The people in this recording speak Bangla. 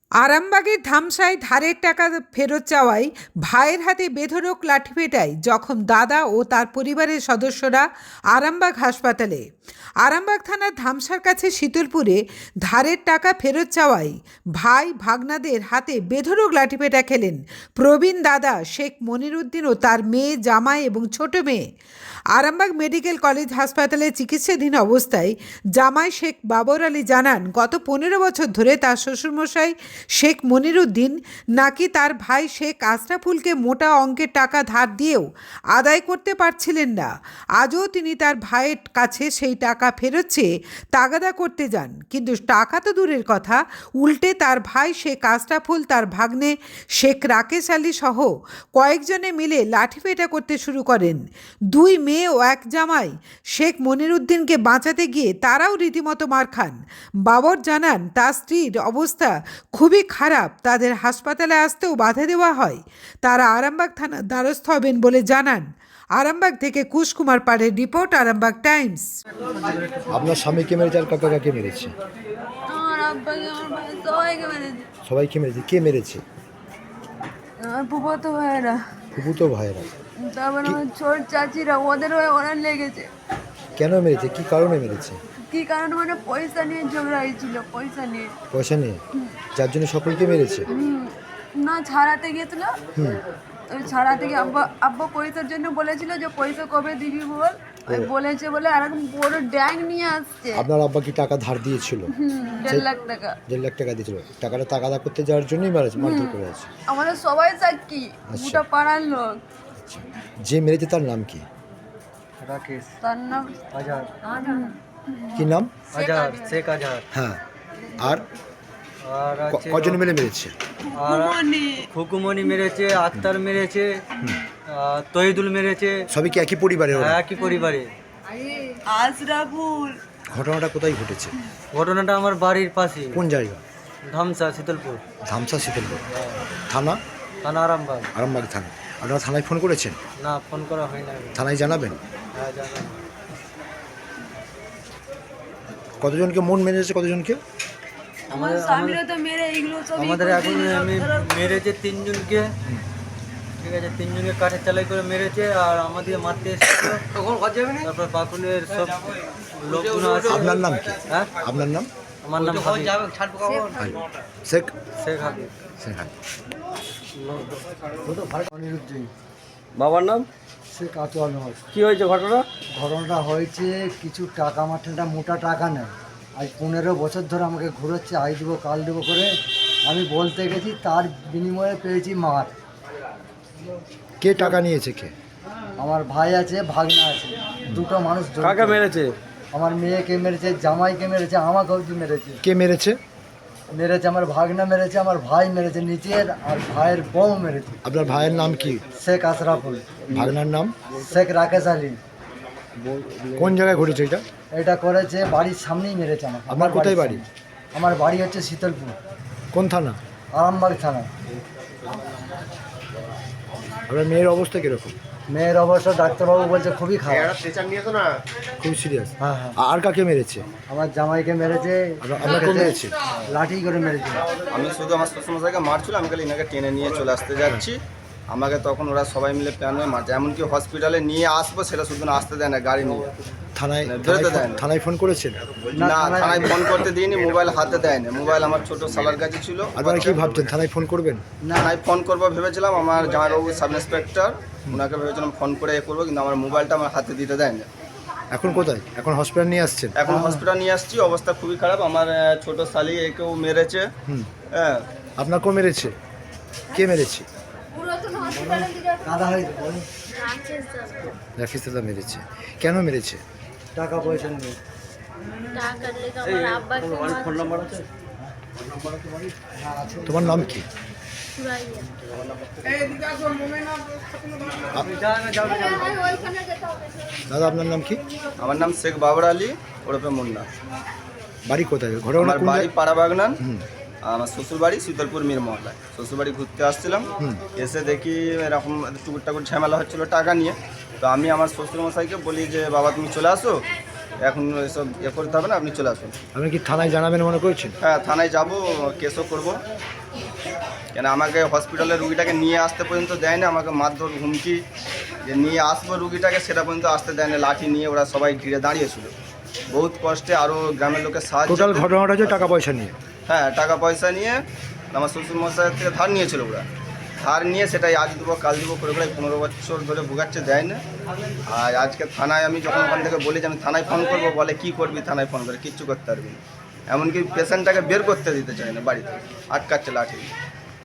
আরামবাগের ধামসায় ধারের টাকা ফেরত চাওয়ায় ভাইয়ের হাতে বেধড়ক লাঠিপেটায় জখম দাদা ও তার পরিবারের সদস্যরা আরামবাগ হাসপাতালে। আরামবাগ থানার ধামসার কাছে শীতলপুরে ধারের টাকা ফেরত চাওয়ায় ভাই ভাগনাদের হাতে বেধড়ক লাঠিপেটা খেলেন প্রবীণ দাদা শেখ মনিরুদ্দিন ও তার মেয়ে, জামাই এবং ছোট মেয়ে। আরামবাগ মেডিকেল কলেজ হাসপাতালে চিকিৎসাধীন অবস্থায় জামাই শেখ বাবর আলী জানান, গত 15 বছর ধরে তার শ্বশুরমশাই শেখ মনিরুদ্দিন নাকি তার ভাই শেখ আশরাফুলকে মোটা অঙ্কের টাকা ধার দিয়েও আদায় করতে পারছিলেন না। আজও তিনি তার ভাইয়ের কাছে সেই টাকা ফেরত চেয়ে তাগাদা করতে যান, কিন্তু টাকা তো দূরের কথা, উল্টে তার ভাই শেখ আশরাফুল, তার ভাগ্নে শেখ রাকেশ আলী সহ কয়েকজনে মিলে লাঠিপেটা করতে শুরু করেন। দুই মেয়ে ও এক জামাই শেখ মনিরুদ্দিনকে বাঁচাতে গিয়ে তারাও রীতিমতো মার খান। বাবর জানান, তার স্ত্রীর অবস্থা খুবই খারাপ, তাদের হাসপাতালে আসতেও বাধা দেওয়া হয়। তারা আরামবাগ থানার দ্বারস্থ হবেন বলে জানান। আরামবাগ থেকে কুশ কুমার পাড়ের রিপোর্ট, আরামবাগ টাইমস। আপনার স্বামীকে মেরেছে আর কাকা কাকে মেরেছে? আমার আব্বাকে, আমার ভাই সবাইকে মেরেছে। সবাইকে মেরেছে। কে মেরেছে? আমার ফুফাতো ভাইয়েরা, ফুফুতো ভাইয়েরা। তারপর আমার ছোট চাচিরা, ওদের ওরা লেগেছে। কেন মেরেছে? কি কারণে মেরেছে? কি কারণ মানে পয়সা নিয়ে ঝগড়া হয়েছিল, পয়সা নিয়ে। পয়সা নিয়ে? যার জন্য সকলকে মেরেছে? না, ছাড়াতে গিয়েছিল। ওই ছাড়াতে গিয়ে আব্বা পয়সার জন্য বলেছিল যে পয়সা কবে দিবি বল। ওই বলেছে বলে আর এখন বড় ড্যাং নিয়ে আসছে। আপনার আব্বা কি টাকা ধার দিয়েছিল? 1.5 লাখ টাকা। 1.5 লাখ টাকা দিয়েছিল। টাকাটা তাগাদা করতে যাওয়ার জন্যই মারধর করে আছে। আমাদের সবাই সাক্ষী, গোটা পাড়ার লোক। যে মেরেছে তার নাম কি? রাকেশ। তার নাম আজাদ। কি নাম? আজাদ, শেখ আজাদ। হ্যাঁ। আর আর আছে কজন মিলে মেরেছে? আর খুকুমণি মেরেছে, আক্তার মেরেছে, তহিদুল মেরেছে। সবই কি একই পরিবারের ওরা? একই পরিবারে। আশরাফুল। ঘটনাটা কোথায় ঘটেছে? ঘটনাটা আমার বাড়ির পাশে, কোন জায়গা? ধামসা, শীতলপুর ধামসা, শীতলপুর থানা? থানা আরামবাগ। আরামবাগ থানা। আপনারা থানায় ফোন করেছেন? না, ফোন করা হয় না। থানায় জানাবেন? হ্যাঁ, জানান। কতজনকে মন মেরেছে? কতজনকে? আমার স্বামীরা তো মেরে এইগুলো সব আমাদের এখন আমি মেরেছে 3 জনকে, ঠিক আছে, 3 জনকে কাঠের চালাই করে মেরেছে। আর আমাদের মারতে এসেছিল। তারপর বাকুলের সব লোকগুলো আছে। আপনার নাম কি? হ্যাঁ, আপনার নাম? আমার নাম হাবিব। শেখ শেখ হাবিব। শেখ মনিরুদ্দিন। বাবার নাম? শেখ আতোয়ার নামাজ। কি হয়েছে ঘটনা? ঘটনাটা হয়েছে কিছু টাকা মাঠাটা মোটা টাকা নেয়। আজ 15 বছর ধরে আমাকে ঘুরোচ্ছে, আই দেবো কাল দেবো করে। আমি বলতে গেছি, তার বিনিময়ে পেয়েছি মার। কে টাকা নিয়েছে? কে? আমার ভাই আছে, ভাগনা আছে, দুটো মানুষ জড়িত। কাকে মেরেছে? আমার মেয়েকে মেরেছে, জামাইকে মেরেছে, আমাকে অবধি মেরেছে। কে মেরেছে? মেরেছে আমার ভাগনা মেরেছে, আমার ভাই মেরেছে নিচের, আর ভাইয়ের বউ মেরেছে। আপনার ভাইয়ের নাম কি? শেখ আশরাফুল। ভাগনার নাম? শেখ রাকেশ আলী। কোন জায়গায় ঘটেছে এটা? এটা করেছে বাড়ির সামনেই মেরেছে আমাকে। আপনার কোথায় বাড়ি? আমার বাড়ি হচ্ছে শীতলপুর, কোন থানা? আরামবাগ থানা। আপনার মেয়ের অবস্থা কিরকম? মেয়ের অবস্থা ডাক্তারবাবু বলছে খুবই খারাপ। খুব সিরিয়াস। হ্যাঁ হ্যাঁ। আর কাকে মেরেছে? আমার জামাইকে মেরেছে। আপনাকে মেরেছে? লাঠি করে মেরেছে। আমি শুধু আমার শ্বশুরমশাইকে মারছিল, আমি খালি এনাকে টেনে নিয়ে চলে আসতে যাচ্ছি। আমাকে তখন ওরা সবাই মিলে প্ল্যান হয়ে মারছে, এমনকি হসপিটালে নিয়ে আসবো সেটা শুধু না আসতে দেয় না, গাড়ি নিয়ে থানায়? বেরোতে দেয় না। থানায় ফোন করেছেন? না, থানায় ফোন করতে দিইনি, মোবাইল হাতে দেয় না। মোবাইল আমার ছোট শালার কাছে ছিল। আপনারা কি ভাবছেন থানায় ফোন করবেন? থানায় ফোন করবো ভেবেছিলাম, আমার জামাইবাবু সাব ইন্সপেক্টর, ওনাকে ভেবেছিলাম ফোন করে করবো, কিন্তু আমার মোবাইলটা আমার হাতে দিতে দেয় না। এখন কোথায়? এখন হসপিটাল নিয়ে আসছেন? এখন হসপিটাল নিয়ে আসছি, অবস্থা খুবই খারাপ। আমার ছোট শালি একেও মেরেছে। হ্যাঁ। আপনাকেও মেরেছে? কে মেরেছে? কাদা হয়েছে, রাকেশ দাদা মেরেছে। কেন মেরেছে? টাকা পয়সা নেই। ফোন নাম্বার আছে? তোমার নাম কি? দাদা আপনার নাম কি? আমার নাম শেখ বাবর আলী, ওরফে মুন্না। বাড়ি কোথায়? ঘটনা আমার কোন বাড়ি জায়গায়? পাড়া বাগনান। আমার শ্বশুর বাড়ি শীতলপুর মীর মহল্লায়। শ্বশুর বাড়ি ঘুরতে আসছিলাম, এসে দেখি এরকম টুকুর টাকুর ঝামেলা হচ্ছিলো টাকা নিয়ে। তো আমি আমার শ্বশুরমশাইকে বলি যে, বাবা তুমি চলে আসো, এখন এসব করতে হবে না, আপনি চলে আসুন। আপনি কি থানায় জানাবেন মনে করছেন? হ্যাঁ, থানায় যাব, কেসও করব। কেন আমাকে হসপিটালে রুগীটাকে নিয়ে আসতে পর্যন্ত দেয় না, আমাকে মারধর হুমকি যে নিয়ে আসবো রুগীটাকে সেটা পর্যন্ত আসতে দেয় না। লাঠি নিয়ে ওরা সবাই ঘিরে দাঁড়িয়েছিল, বহুত কষ্টে আরও গ্রামের লোকের সাহায্য। টোটাল ঘটনাটা হচ্ছে টাকা পয়সা নিয়ে। হ্যাঁ, টাকা পয়সা নিয়ে আমার শ্বশুরমশাইয়ের থেকে ধার নিয়েছিল ওরা। ধার নিয়ে সেটাই আজ দেবো কাল দেবো করে প্রায় 15 বছর ধরে ভোগাচ্ছে, দেয় না। আর আজকে থানায় আমি যখন ওখান থেকে বলি যে আমি থানায় ফোন করবো, বলে কি করবি থানায় ফোন করে, কিচ্ছু করতে পারবি না। এমনকি পেশেন্টটাকে বের করতে দিতে চায় না বাড়িতে, আটকাচ্ছে লাঠি।